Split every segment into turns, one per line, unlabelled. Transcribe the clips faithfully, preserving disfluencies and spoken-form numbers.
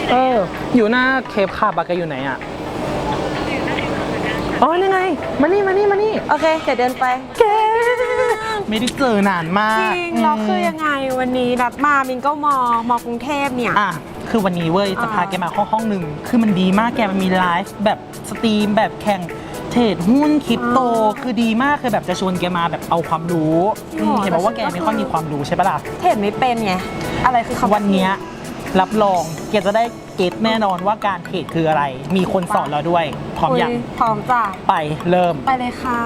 เอออยู่หน้าเคปคาบาแกอยู่ไหนอ่ะอ๋อนี่ไงมานี่มานี่มานี่
โอเคเดี๋ยวเดินไป
แกไม่ได้เจอนานมา
จ
ก
ริงเราคือยังไงวันนี้นัดมามินก็มอมอกรุงเทพเนี่ย
อ่ะคือวันนี้เว้ยจะพาแกมาห้องห้องหนึ่งคือมันดีมากแกมันมีไลฟ์แบบสตรีมแบบแข่งเทรดหุ้นคริปโตคือดีมากคือแบบจะชวนแกมาแบบเอาความรู้อืมเห็นบอกว่าแกไม่ค่อยมีความรู้ใช่ปะล่ะ
เทรดไม่เป็นไงอะไรคือคำ
วันเนี้ยรับรองแกจะได้เก็ตแน่นอนว่าการเทรดคืออะไร มีคนสอนเราด้วยพร้อมยัง
พร้อมจ้ะ
ไปเริ่ม
ไปเลยค่ะ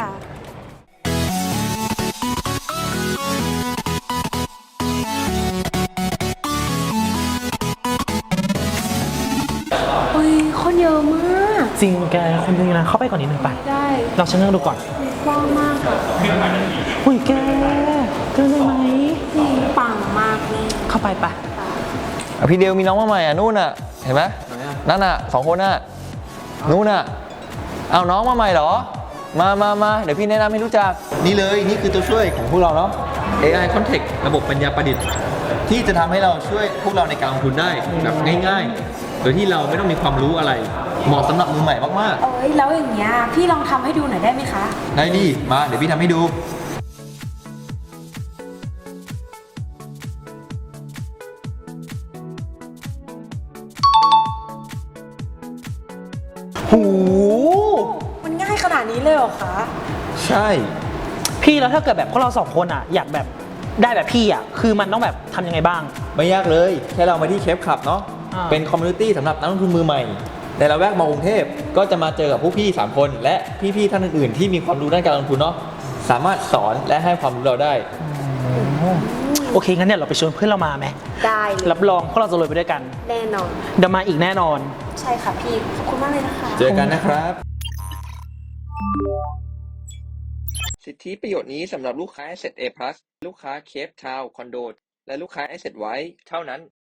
เฮ้ยคนเยอะมาก
จริงแกคนนึงนะเข้าไปก่อนนิดนึงไป
ได้
เราชะเง้อดูก่อน
กว้างมาก
อุ้ยแกเกินได้ไหม
จริงปังมากนี่
เข้าไปปะ
อ่ะพี่เดียวมีน้องมาใหม่อ่ะนู่นอ่ะเห็นไหมนั่นอ่ะสองคนน่ะนู่นอ่ะเอาน้องมาใหม่เหรอ มามามาเดี๋ยวพี่แนะนำให้รู้จักนี่เลยนี่คือตัวช่วยของพวกเราเนาะ เอ ไอ Context ระบบปัญญาประดิษฐ์ ที่จะทำให้เราช่วยพวกเราในการลงทุนได้แบบง่ายๆ โดยที่เราไม่ต้องมีความรู้อะไร เหมาะสำหรับมือใหม่มาก
เอ้ยแล้วอย่างเงี้ยพี่ลองทำให้ดูหน่อยได้ไหมคะ
ๆได้ดิมาเดี๋ยวพี่ทำให้ดู
หู
มันง่ายขนาดนี้เลยเหรอคะ
ใช่
พี่แล้วถ้าเกิดแบบพวกเราสองคนอ่ะอยากแบบได้แบบพี่อ่ะคือมันต้องแบบทำยังไงบ้าง
ไม่ยากเลย แค่เรามาที่เคปคลับเนาะ
อ่า
เป็นคอมมูนิตี้สำหรับนักลงทุนมือใหม่ในละแวกมอกรุงเทพก็จะมาเจอกับผู้พี่สามคน และพี่ๆท่านอื่นๆ ที่มีความรู้ด้านการลงทุนเนาะสามารถสอนและให้ความรู้เราได้
โอเคงั้นเนี่ยเราไปชวนเพื่อนเรามาไหม
ได้เลย
รับรองพวกเราจะรวยไปด้วยกัน
แน่นอน
เดี๋ยวมาอีกแน่นอน
ใช่ค่ะพี่ ขอบคุณมากเลยนะคะ
เจอกันนะครับ สิทธิประโยชน์นี้สำหรับลูกค้า Asset A+ ลูกค้า Cape Town Condo และลูกค้า Asset White เท่านั้น